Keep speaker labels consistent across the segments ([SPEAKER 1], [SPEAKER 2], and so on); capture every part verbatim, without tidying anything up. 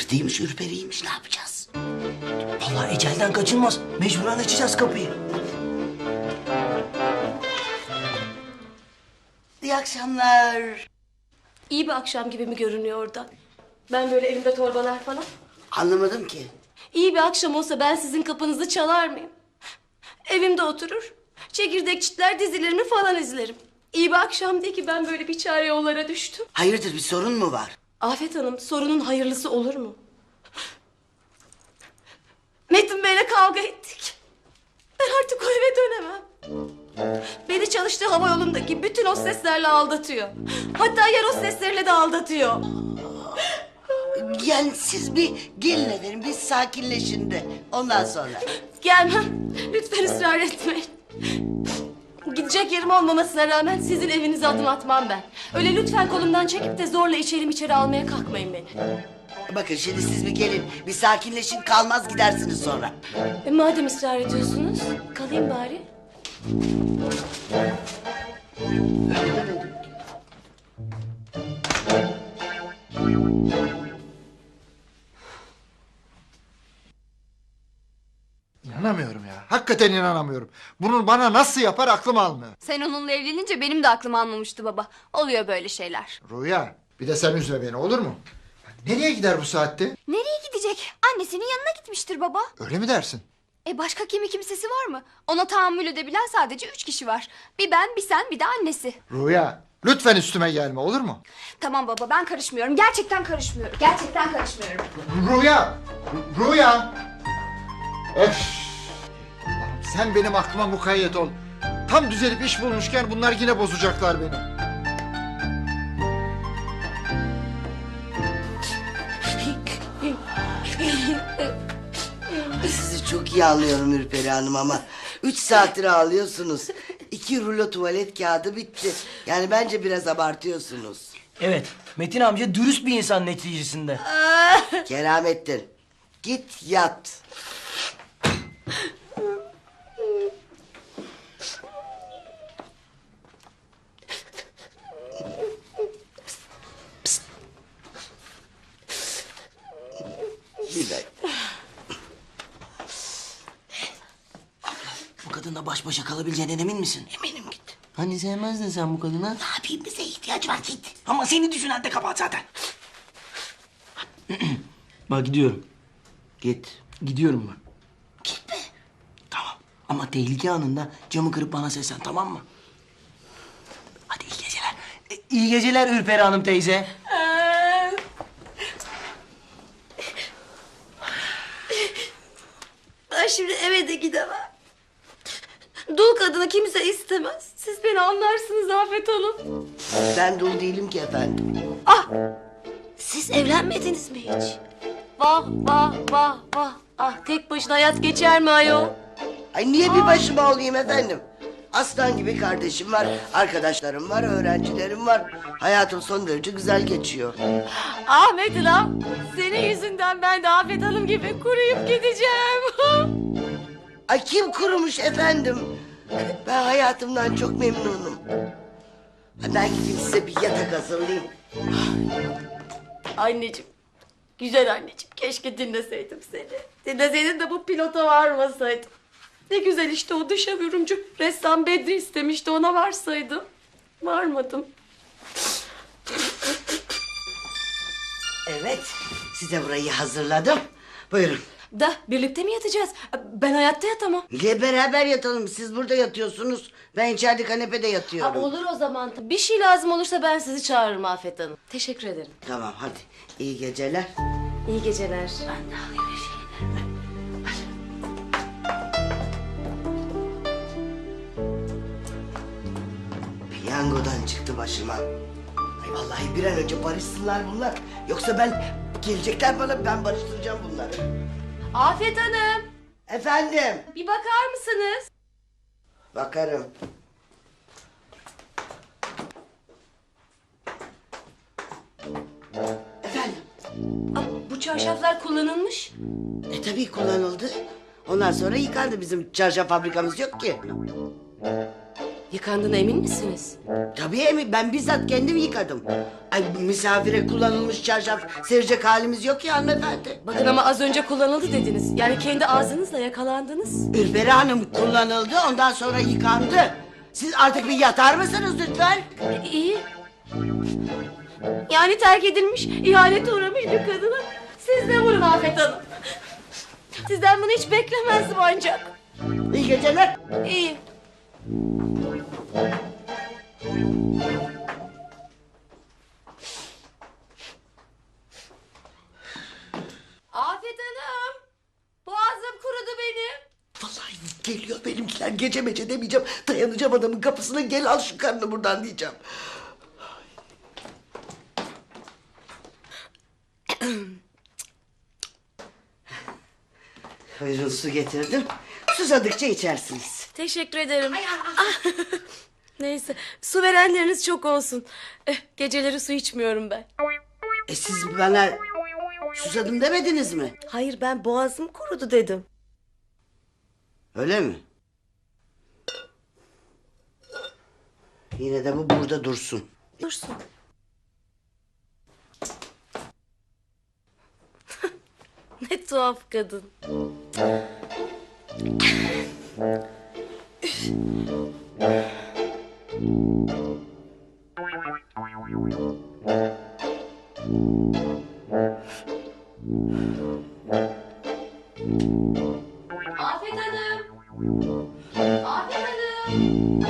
[SPEAKER 1] Sırtıymış, ürperiymiş, ne yapacağız?
[SPEAKER 2] Vallahi ecelden kaçılmaz. Mecburen açacağız kapıyı.
[SPEAKER 1] İyi akşamlar.
[SPEAKER 3] İyi bir akşam gibi mi görünüyor oradan? Ben böyle elimde torbalar falan.
[SPEAKER 1] Anlamadım ki.
[SPEAKER 3] İyi bir akşam olsa ben sizin kapınızı çalar mıyım? Evimde oturur, çekirdek çitler dizilerimi falan izlerim. İyi bir akşam değil ki ben böyle bir çare yollara düştüm.
[SPEAKER 1] Hayırdır, bir sorun mu var?
[SPEAKER 3] Afet Hanım, sorunun hayırlısı olur mu? Metin Bey'le kavga ettik. Ben artık o eve dönemem. Beni çalıştığı hava yolundaki bütün hosteslerle aldatıyor. Hatta yer hosteslerle de aldatıyor.
[SPEAKER 1] Yani siz bir gelin efendim, biz sakinleşin de. Ondan sonra.
[SPEAKER 3] Gelmem. Lütfen ısrar etmeyin. Gidecek yerim olmamasına rağmen sizin evinize adım atmam ben. Öyle lütfen kolumdan çekip de zorla içeri içeri almaya kalkmayın beni.
[SPEAKER 1] Bakın şimdi siz bir gelin, bir sakinleşin, kalmaz gidersiniz sonra.
[SPEAKER 3] E, madem ısrar ediyorsunuz, kalayım bari.
[SPEAKER 4] İnanamıyorum ya. Hakikaten inanamıyorum. Bunu bana nasıl yapar aklım almıyor.
[SPEAKER 5] Sen onunla evlenince benim de aklım almamıştı baba. Oluyor böyle şeyler.
[SPEAKER 4] Rüya, bir de sen üzme beni, olur mu? Nereye gider bu saatte?
[SPEAKER 5] Nereye gidecek? Annesinin yanına gitmiştir baba.
[SPEAKER 4] Öyle mi dersin?
[SPEAKER 5] E başka kimi kimsesi var mı? Ona tahammül edebilen sadece üç kişi var. Bir ben, bir sen, bir de annesi.
[SPEAKER 4] Rüya, lütfen üstüme gelme, olur mu?
[SPEAKER 5] Tamam baba, ben karışmıyorum. Gerçekten karışmıyorum. Gerçekten karışmıyorum.
[SPEAKER 4] Rüya! Rüya! Öf! Allah'ım, sen benim aklıma mukayyet ol. Tam düzelip iş bulmuşken bunlar yine bozacaklar beni.
[SPEAKER 1] Sizi çok iyi anlıyorum Ürperi Hanım ama... ...üç saattir ağlıyorsunuz. İki rulo tuvalet kağıdı bitti. Yani bence biraz abartıyorsunuz.
[SPEAKER 2] Evet, Metin amca dürüst bir insan neticesinde.
[SPEAKER 1] Keramettin, git yat. Bir dakika.
[SPEAKER 2] Bu kadınla baş başa kalabileceğinden emin misin?
[SPEAKER 1] Eminim git.
[SPEAKER 2] Hani sevmezdin sen bu kadına?
[SPEAKER 1] Ne yapayım, bize ihtiyacı var, git.
[SPEAKER 2] Ama seni düşünen de kabahat zaten. Bak gidiyorum.
[SPEAKER 1] Git.
[SPEAKER 2] Gidiyorum ben.
[SPEAKER 1] Gitme.
[SPEAKER 2] Tamam. Ama tehlike anında camı kırıp bana seslen, tamam mı? Hadi iyi geceler. E, iyi geceler Ürperi Hanım teyze.
[SPEAKER 3] Ben şimdi eve de gidemem. Dul kadını kimse istemez. Siz beni anlarsınız Afet Hanım.
[SPEAKER 1] Ben dul değilim ki efendim.
[SPEAKER 3] Ah! Siz evlenmediniz mi hiç? Vah vah vah vah. Ah, tek başına hayat geçer mi ayol?
[SPEAKER 1] Ay niye bir başıma olayım efendim? Aslan gibi kardeşim var, arkadaşlarım var, öğrencilerim var. Hayatım son derece güzel geçiyor.
[SPEAKER 3] Ahmet Hanım, senin yüzünden ben de Afet Hanım gibi kuruyup gideceğim.
[SPEAKER 1] Ay kim kurumuş efendim? Ben hayatımdan çok memnunum. Ben gideyim size bir yatak hazırlayayım.
[SPEAKER 3] Anneciğim, güzel anneciğim, keşke dinleseydim seni. Dinleseydin de bu pilota varmasaydım. Ne güzel işte o dışa vurumcu ressam Bedri istemişti, ona varsaydım. Varmadım.
[SPEAKER 1] Evet, size burayı hazırladım. Buyurun.
[SPEAKER 3] Da birlikte mi yatacağız? Ben hayatta yatamam.
[SPEAKER 1] Niye beraber yatalım? Siz burada yatıyorsunuz. Ben içeride kanepede
[SPEAKER 3] Ha,
[SPEAKER 1] yatıyorum.
[SPEAKER 3] olur o zaman. Bir şey lazım olursa ben sizi çağırırım Afet Hanım. Teşekkür ederim.
[SPEAKER 1] Tamam hadi. İyi geceler.
[SPEAKER 3] İyi geceler.
[SPEAKER 1] Ben de alayım bir şeyini. Piyangodan çıktı başıma. Ay vallahi bir an önce barışsınlar bunlar. Yoksa ben gelecekler bana, ben barıştıracağım bunları.
[SPEAKER 3] Afet Hanım,
[SPEAKER 1] Efendim.
[SPEAKER 3] bir bakar mısınız?
[SPEAKER 1] Bakarım. Efendim.
[SPEAKER 3] Aa, bu çarşaflar kullanılmış.
[SPEAKER 1] E tabii kullanıldı. Ondan sonra yıkandı, bizim çarşaf fabrikamız yok ki.
[SPEAKER 3] Yıkandığına emin misiniz?
[SPEAKER 1] Tabii emin, ben bizzat kendim yıkadım. Ay misafire kullanılmış çarşaf serecek halimiz yok ya hanımefendi.
[SPEAKER 3] Bakın ama az önce kullanıldı dediniz. Yani kendi ağzınızla yakalandınız.
[SPEAKER 1] Ürperi Hanım kullanıldı, ondan sonra yıkandı. Siz artık bir yatar mısınız lütfen?
[SPEAKER 3] E, iyi. Yani terk edilmiş, ihanete uğramış bir kadına siz de vurun Afet Hanım. Sizden bunu hiç beklemezdim ancak.
[SPEAKER 1] İyi geceler.
[SPEAKER 3] İyi. Afet Hanım, boğazım kurudu benim.
[SPEAKER 1] Vallahi geliyor benimkiler, gece mece demeyeceğim. Dayanacağım adamın kapısına, gel al şu karnını buradan diyeceğim. Buyurun, su getirdim. Susadıkça içersiniz.
[SPEAKER 3] Teşekkür ederim. Ah. Neyse, su verenleriniz çok olsun. Eh, geceleri su içmiyorum ben.
[SPEAKER 1] E siz bana susadım demediniz mi?
[SPEAKER 3] Hayır, ben boğazım kurudu dedim.
[SPEAKER 1] Öyle mi? Yine de bu burada dursun.
[SPEAKER 3] Dursun. Ne tuhaf kadın. Afet Hanım. Afet Hanım.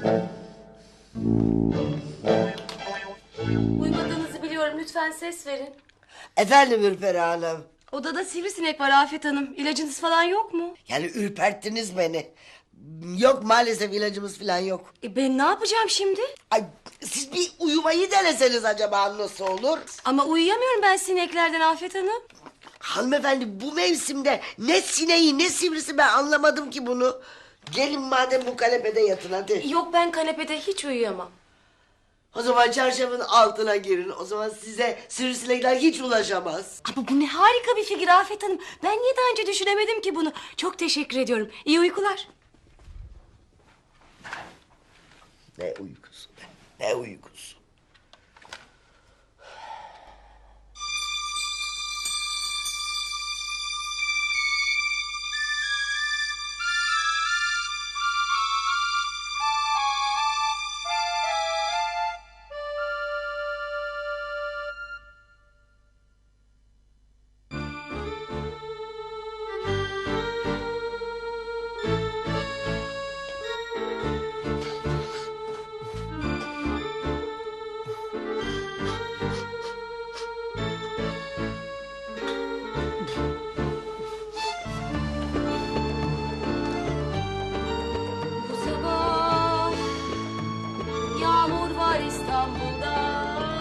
[SPEAKER 3] Uyumadığınızı biliyorum. Lütfen ses verin.
[SPEAKER 1] Efendim Ürperi Hanım.
[SPEAKER 3] Odada sivrisinek var Afet Hanım. İlacınız falan yok mu?
[SPEAKER 1] Yani ürperttiniz beni. Yok maalesef, ilacımız falan yok.
[SPEAKER 3] E ben ne yapacağım şimdi?
[SPEAKER 1] Ay, siz bir uyumayı deneseniz acaba nasıl olur?
[SPEAKER 3] Ama uyuyamıyorum ben sineklerden Afet Hanım.
[SPEAKER 1] Hanımefendi, bu mevsimde ne sineği ne sivrisi, ben anlamadım ki bunu. Gelin madem bu kanepede yatın hadi.
[SPEAKER 3] Yok, ben kanepede hiç uyuyamam.
[SPEAKER 1] O zaman çarşafın altına girin. O zaman size sivrisinekler hiç ulaşamaz.
[SPEAKER 3] Ama bu ne harika bir fikir Afet Hanım. Ben niye daha önce düşünemedim ki bunu? Çok teşekkür ediyorum. İyi uykular.
[SPEAKER 1] Ne uykusu be, ne uykusu.
[SPEAKER 3] Bu sabah yağmur var İstanbul'da.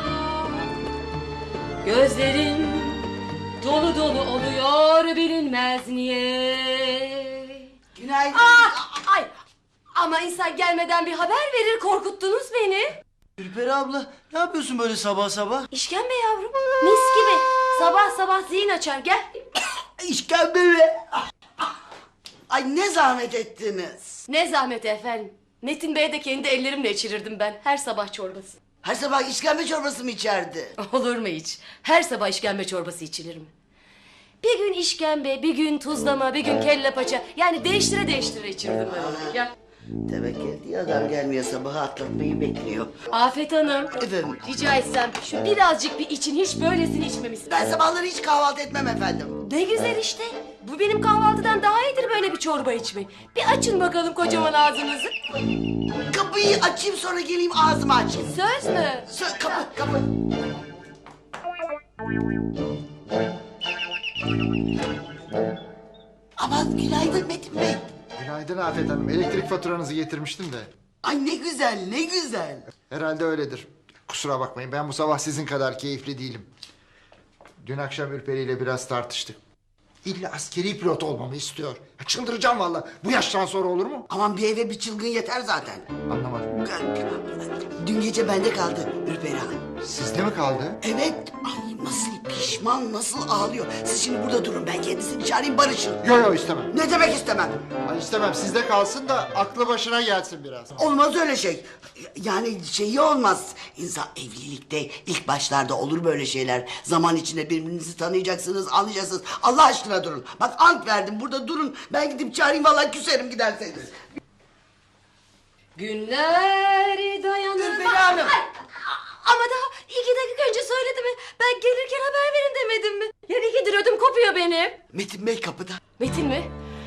[SPEAKER 3] Gözlerim dolu dolu oluyor, bilinmez niye.
[SPEAKER 1] Günaydın.
[SPEAKER 3] Ah, ay, ama insan gelmeden bir haber verir, korkuttunuz beni.
[SPEAKER 2] Ürperi abla, ne yapıyorsun böyle sabah sabah?
[SPEAKER 3] İşkembe yavrum, mis gibi. Sabah sabah zihin açar, gel.
[SPEAKER 1] İşkembe mi? Ay ne zahmet ettiniz.
[SPEAKER 3] Ne zahmet efendim. Metin Bey'e de kendi ellerimle içirirdim ben her sabah çorbası.
[SPEAKER 1] Her sabah işkembe çorbası mı içerdi?
[SPEAKER 3] Olur mu hiç? Her sabah işkembe çorbası içilir mi? Bir gün işkembe, bir gün tuzlama, bir gün kelle paça. Yani değiştire değiştire içirdim ben onu. Gel.
[SPEAKER 1] Demek geldi, adam gelmiyor, sabahı atlatmayı bekliyor.
[SPEAKER 3] Afet Hanım.
[SPEAKER 1] Efendim?
[SPEAKER 3] Rica etsem şu birazcık bir için, hiç böylesini içmemişsin.
[SPEAKER 1] Ben sabahları hiç kahvaltı etmem efendim.
[SPEAKER 3] Ne güzel işte. Bu benim kahvaltıdan daha iyidir böyle bir çorba içmek. Bir açın bakalım kocaman ağzınızı.
[SPEAKER 1] Kapıyı açayım, sonra geleyim ağzımı açayım.
[SPEAKER 3] Söz mü?
[SPEAKER 1] Sö- kapı kapı. Aman günaydın Metin Bey.
[SPEAKER 4] Günaydın Afet Hanım. Elektrik faturanızı getirmiştim de.
[SPEAKER 1] Ay ne güzel, ne güzel.
[SPEAKER 4] Herhalde öyledir. Kusura bakmayın, ben bu sabah sizin kadar keyifli değilim. Dün akşam Ürperi ile biraz tartıştık. İlla askeri pilot olmamı istiyor. Ya çıldıracağım vallahi. Bu yaştan sonra olur mu?
[SPEAKER 1] Aman bir eve bir çılgın yeter zaten.
[SPEAKER 4] Anlamadım.
[SPEAKER 1] Dün gece bende kaldı Ürperi Hanım.
[SPEAKER 4] Sizde mi kaldı?
[SPEAKER 1] Evet. Ay nasıl pişman, nasıl ağlıyor. Siz şimdi burada durun, ben kendisini çağırayım, barışın.
[SPEAKER 4] Yok yok istemem.
[SPEAKER 1] Ne demek istemem?
[SPEAKER 4] Ay, istemem sizde kalsın da aklı başına gelsin biraz.
[SPEAKER 1] Olmaz öyle şey. Yani şeyi olmaz. İnsan evlilikte ilk başlarda olur böyle şeyler. Zaman içinde birbirinizi tanıyacaksınız, anlayacaksınız. Allah aşkına durun. Bak ant verdim, burada durun. Ben gidip çağırayım, vallahi küserim giderseniz.
[SPEAKER 3] Günler dayanır.
[SPEAKER 1] Ürperi Hanım.
[SPEAKER 3] Ay, ama daha iki dakika önce söyledim mi? Ben gelirken haber verin demedim mi? Yani ikidir ödüm kopuyor benim.
[SPEAKER 1] Metin Bey kapıda.
[SPEAKER 3] Metin mi?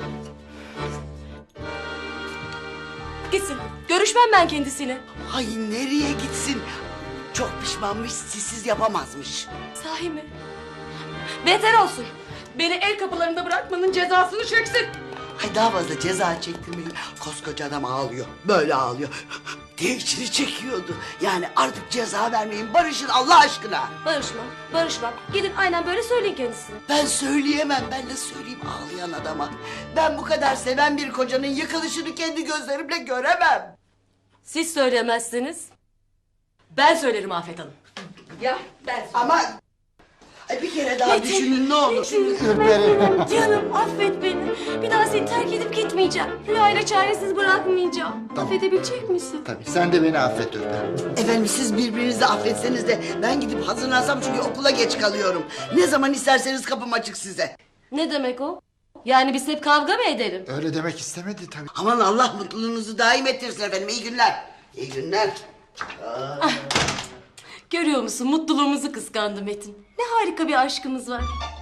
[SPEAKER 3] Gitsin. Görüşmem ben kendisiyle.
[SPEAKER 1] Ay nereye gitsin? Çok pişmanmış, sizsiz yapamazmış.
[SPEAKER 3] Sahi mi? Beter olsun. Beni el kapılarında bırakmanın cezasını çeksin.
[SPEAKER 1] Ay daha fazla ceza çektirmeyin. Koskoca adam ağlıyor. Böyle ağlıyor. Diye içini çekiyordu. Yani artık ceza vermeyin. Barışın Allah aşkına.
[SPEAKER 3] Barışmam, barışmam. Gidin aynen böyle söyleyin kendisine.
[SPEAKER 1] Ben söyleyemem. Ben de söyleyeyim ağlayan adama. Ben bu kadar seven bir kocanın yıkılışını kendi gözlerimle göremem.
[SPEAKER 3] Siz söyleyemezsiniz. Ben söylerim Afet Hanım. Ya ben
[SPEAKER 1] Ama ay bir kere daha düşünün ne olur.
[SPEAKER 3] Metin, canım affet beni. Bir daha seni terk edip gitmeyeceğim. Rüyayla çaresiz bırakmayacağım.
[SPEAKER 4] Tamam.
[SPEAKER 3] Affedebilecek misin?
[SPEAKER 4] Tabii sen de beni affet Ürperi.
[SPEAKER 1] Efendim siz birbirinizi affetseniz de ben gidip hazırlansam çünkü okula geç kalıyorum. Ne zaman isterseniz kapım açık size.
[SPEAKER 3] Ne demek o? Yani biz hep kavga mı edelim?
[SPEAKER 4] Öyle demek istemedi tabii.
[SPEAKER 1] Aman Allah mutluluğunuzu daim ettirsin efendim. İyi günler. İyi günler.
[SPEAKER 3] Görüyor musun mutluluğumuzu kıskandı Metin. Ne harika bir aşkımız var.